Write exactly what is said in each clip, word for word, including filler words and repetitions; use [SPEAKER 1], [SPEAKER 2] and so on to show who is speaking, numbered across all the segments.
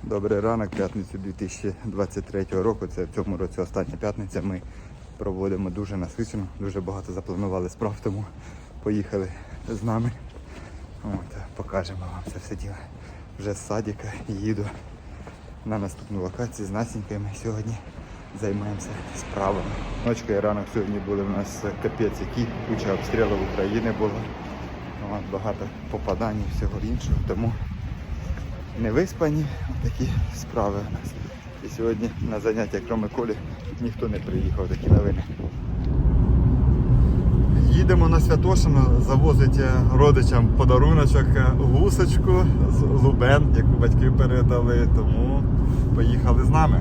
[SPEAKER 1] Добрий ранок, п'ятницю дві тисячі двадцять третього року. Це в цьому році остання п'ятниця. Ми проводимо дуже насичено, дуже багато запланували справ, тому поїхали з нами. От, покажемо вам це все діло. Вже з садика їду на наступну локацію з Насінькою. Ми сьогодні займаємося справами. Ночка і ранок сьогодні були в нас капець, які куча обстрілів України було. От, багато попадань і всього іншого, тому не виспані, такі справи у нас. І сьогодні на заняття, крім Колі, ніхто не приїхав, такі новини. Їдемо на Святошино, завозить родичам подаруночок гусочку з Лубен, яку батьки передали, тому поїхали з нами.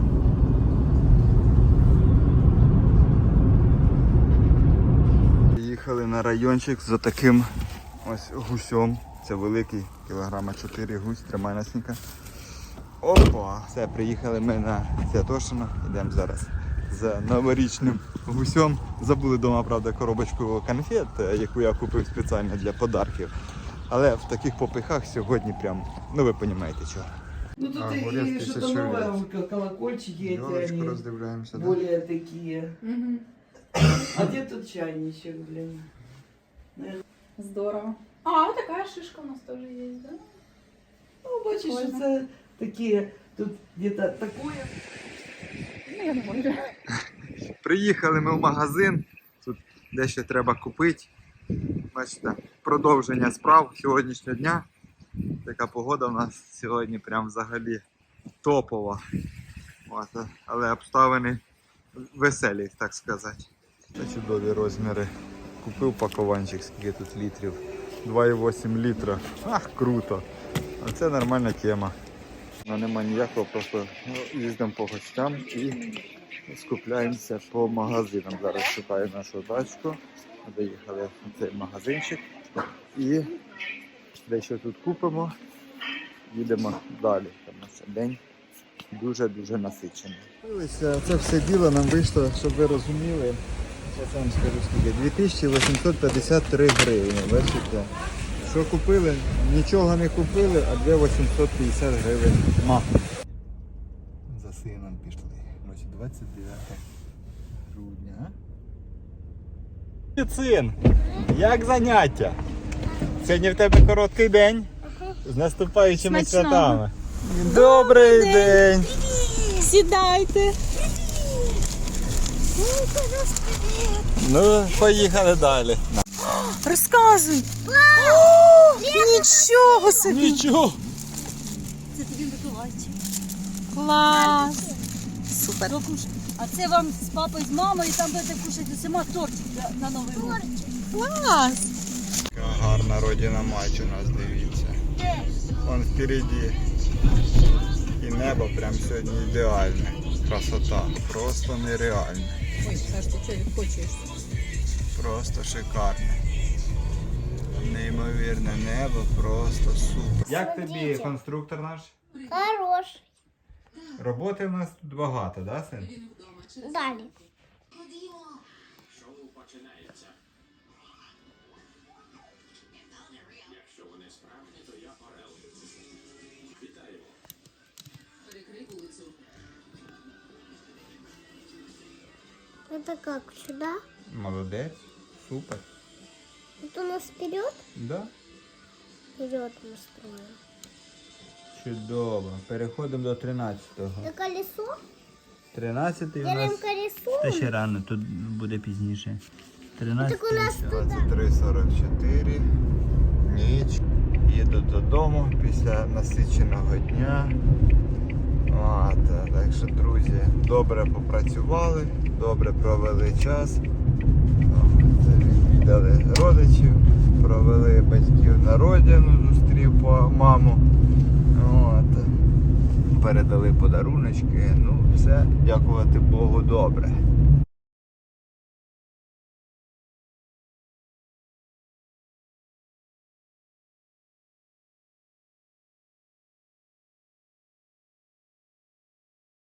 [SPEAKER 1] Їхали на райончик з таким ось гусем. Це великий, кілограма чотири гусь, тримай Насінька. Опа! Все, приїхали ми на Святошино, йдемо зараз з новорічним гусем. Забули вдома, правда, коробочку конфет, яку я купив спеціально для подарків. Але в таких попихах сьогодні прям, ну ви розумієте чого.
[SPEAKER 2] Ну тут а, и что-то новое, колокольчики эти, они более такие. Угу. А где тут чайничек, блин?
[SPEAKER 3] Здорово. А, вот такая шишка у нас тоже есть, да?
[SPEAKER 2] Ну, бачишь, это такие, тут где-то такое.
[SPEAKER 3] Ну, я не можу.
[SPEAKER 1] Приїхали ми в магазин, тут дещо треба купити. Бачите, продовження справ сьогоднішнього дня. Така погода у нас сьогодні прям взагалі топова. От, але обставини веселі, так сказати. Це чудові розміри. Купив пакованчик, скільки тут літрів. два і вісім літра. Ах, круто. А це нормальна тема. Ну, нема ніякого, просто ну, їздимо по гостям і скупляємося по магазинам. Зараз шукаю нашу дачку. Доїхали в цей магазинчик. І дещо тут купимо. Їдемо далі, тому що день дуже-дуже насичений. Це все діло нам вийшло, щоб ви розуміли. Я вам скажу скільки. дві тисячі вісімсот п'ятдесят три гривні. Бачите? Що купили? Нічого не купили, а дві тисячі вісімсот п'ятдесят гривень ма. За сином пішли. Ось двадцять дев'яте грудня. Син, як заняття? Сьогодні в тебе короткий день. З наступаючими святами. Добрий день!
[SPEAKER 3] Сідайте.
[SPEAKER 1] Ну, поїхали далі.
[SPEAKER 3] Розказуй. О, нічого собі.
[SPEAKER 1] Нічого.
[SPEAKER 4] Це тобі Миколайчик.
[SPEAKER 3] Клас. Супер.
[SPEAKER 4] А це вам з папою, з мамою, там будете кушати усіма тортик на Новий рік.
[SPEAKER 3] Клас.
[SPEAKER 1] Яка гарна родина мать у нас, дивіться. Вон впереді. І небо прям сьогодні ідеальне. Красота. Просто нереальна.
[SPEAKER 3] Ой, Саш, ти що відкочуєш?
[SPEAKER 1] Просто шикарне. Неймовірне небо, просто супер. Як тобі конструктор наш?
[SPEAKER 5] Хорош.
[SPEAKER 1] Роботи в нас тут багато, да, син?
[SPEAKER 5] Далі. Это как, сюда?
[SPEAKER 1] Молодець, супер.
[SPEAKER 5] Это у нас вперед?
[SPEAKER 1] Да?
[SPEAKER 5] Вперед мы строим.
[SPEAKER 1] Чудово. Переходимо до тринадцятого.
[SPEAKER 5] Это колесо?
[SPEAKER 1] тринадцятий у
[SPEAKER 5] Делаем
[SPEAKER 1] нас.
[SPEAKER 5] колесо?
[SPEAKER 6] Та ще рано, тут буде пізніше. тринадцять.
[SPEAKER 5] Так у нас туда.
[SPEAKER 1] двадцять три сорок чотири. Ніч. Їду додому після насиченого дня. От, так що, друзі, добре попрацювали, добре провели час. Відвідали родичів, провели батьків на родину, зустрів маму. От, передали подаруночки. Ну, все, дякувати Богу, добре.